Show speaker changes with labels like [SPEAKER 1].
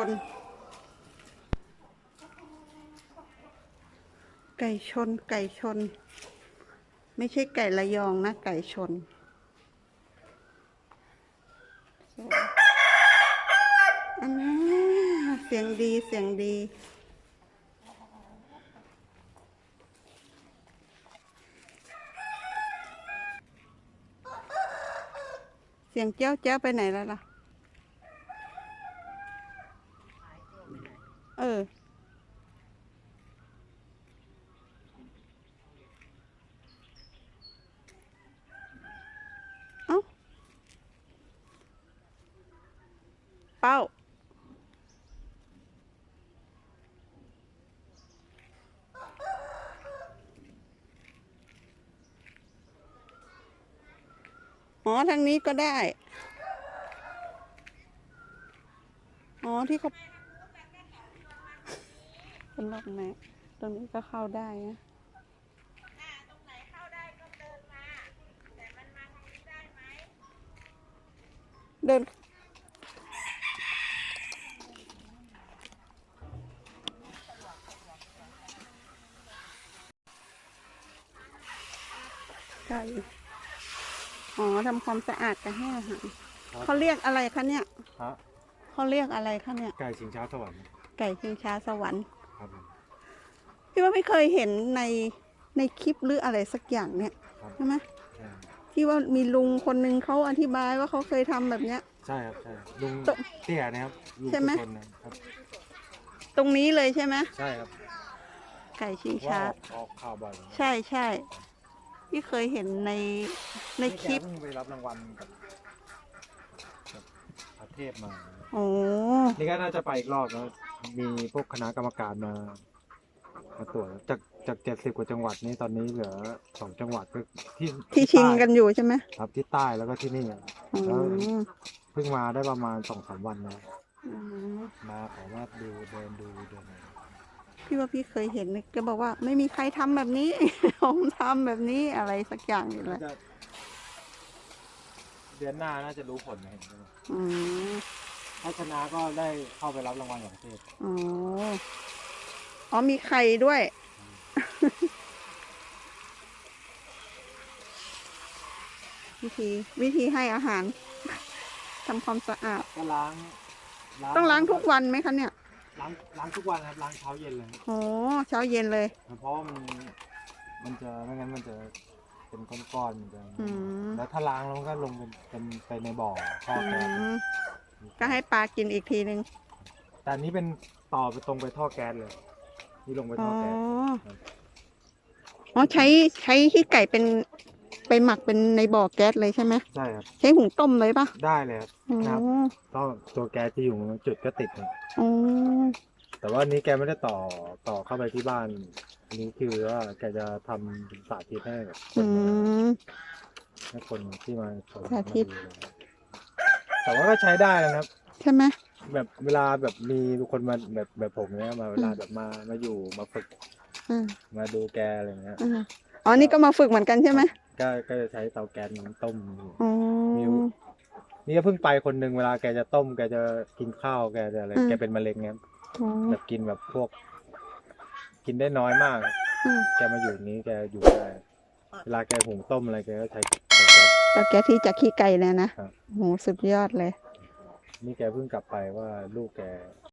[SPEAKER 1] นไก่ชนไก่ชนไม่ใช่ไก่ระยองนะไก่ชนอันนี้เสียงดีเสียงดีเสียงเจ้าเจ้าไปไหนแล้วล่ะเอ้าเป้าอ๋อทางนี้ก็ได้อ๋อที่เขาเป็นล็อกแม่ตรงนี้ก็เข้าได้นะ
[SPEAKER 2] ตรงไหนเข้าได้ก็เดินมาแต่มันมาทางนี้ได้ไหม
[SPEAKER 1] เดินไก่อ๋อทำความสะอาดกันให้อาหารเขาเรียกอะไรคะเนี่ยเขาเรียกอะไรคะเนี่ย
[SPEAKER 3] ไก่ชิงช้าสวรรค์
[SPEAKER 1] ไก่ชิงช้าสวรรค์
[SPEAKER 3] ครับ
[SPEAKER 1] พี่ว่าไม่เคยเห็นในคลิปหรืออะไรสักอย่างเนี่ยใช่ไหมที่ว่ามีลุงคนหนึ่งเขาอธิบายว่าเขาเคยทำแบบเนี้ย
[SPEAKER 3] ใช่ครับใช่ลุงเตี้ยนะครับลุง
[SPEAKER 1] ใช่ไหม
[SPEAKER 3] ครับ
[SPEAKER 1] ตรงนี้เลยใช่ไหม
[SPEAKER 3] ใช่ครับ
[SPEAKER 1] ไก่ชิงช้า
[SPEAKER 3] ออกข่าวบ่อย
[SPEAKER 1] ใช่ใช่พี่เคยเห็นในคลิป
[SPEAKER 3] เพิ่งไปรับรางวัลกับประเทศมา
[SPEAKER 1] โอ้
[SPEAKER 3] นี่ก็น่าจะไปอีกรอบแล้วมีพวกคณะกรรมการมาตรวจจาก70 กว่าจังหวัดนี้ตอนนี้เหลือ2 จังหวัดก็
[SPEAKER 1] ที่ชิงกันอยู่ใช่ไหม
[SPEAKER 3] ครับที่ใต้แล้วก็ที่นี่แล้วเพิ่งมาได้ประมาณ2-3 วันนะมาขอว่าดูเดิน
[SPEAKER 1] พี่ว่าพี่เคยเห็นแกบอกว่าไม่มีใครทำแบบนี้ ผมทำแบบนี้อะไรสักอย่างอยู่เลย
[SPEAKER 3] เดือนหน้าน่าจะรู้ผลนะเห็นไหมถ้าชนะก็ได้เข้าไปรับรางวัลของประเทศ
[SPEAKER 1] อ๋อมีไข่ด้วย วิธีให้อาหารทำความสะอาด
[SPEAKER 3] ก็
[SPEAKER 1] ต้องล้างทุกวันไหมคะเนี่ย
[SPEAKER 3] ล้างทุกวันครับล้างเช้าเย็นเลย
[SPEAKER 1] โอ้เช้าเย็นเลย
[SPEAKER 3] เพราะมันจะไม่งั้นมันจะเป็นก้อนๆมันจะแล้วถ้าล้างแล้วมันก็ลงเป็นไปในบ่อท่อแก๊ส
[SPEAKER 1] ก็ให้ปลากินอีกทีนึง
[SPEAKER 3] แต่อันนี้เป็นต่อไปตรงไปท่อแก๊สเลยนี่ลงไปท่อแก๊ส
[SPEAKER 1] อ๋อใช้ขี้ไก่ไปหมักเป็นในบ่อแก๊สเลยใช่ไหม
[SPEAKER 3] ใช่ครับ
[SPEAKER 1] ใช้หุงต้มเลยปะ
[SPEAKER 3] ได้เลยครับก็ตัวแก๊สจะอยู่จุดก็ติดครับแต่ว่านี้แกไม่ได้ต่อเข้าไปที่บ้านอันนี้คือว่าแกจะทำสาธิตให้กับคนที่มาชม
[SPEAKER 1] สาธิต
[SPEAKER 3] แต่ว่าก็ใช้ได้นะครับ
[SPEAKER 1] ใช่ไหม
[SPEAKER 3] แบบเวลาแบบมีคนมาแบบผมเนี้ยมาเวลาแบบมาอยู่มาฝึกมาดูแกอะไรเงี้ย
[SPEAKER 1] อ๋อนี่ก็มาฝึกเหมือนกันใช่ไหม
[SPEAKER 3] ก็จะใช้เตาแก๊สต้มนี่ก็เพิ่งไปคนหนึ่งเวลาแกจะต้มแกจะกินข้าวแกจะอะไรแกเป็นมะเร็งเงี้ยแบบกินแบบพวกกินได้น้อยมากแกมาอยู่นี้แกอยู่ได้เวลาแกหุงต้มอะไรแกก็ใช้
[SPEAKER 1] เตาแก๊สที่จากขี้ไก่เนี่ยนะโหสุดยอดเลย
[SPEAKER 3] นี่แกเพิ่งกลับไปว่าลูกแก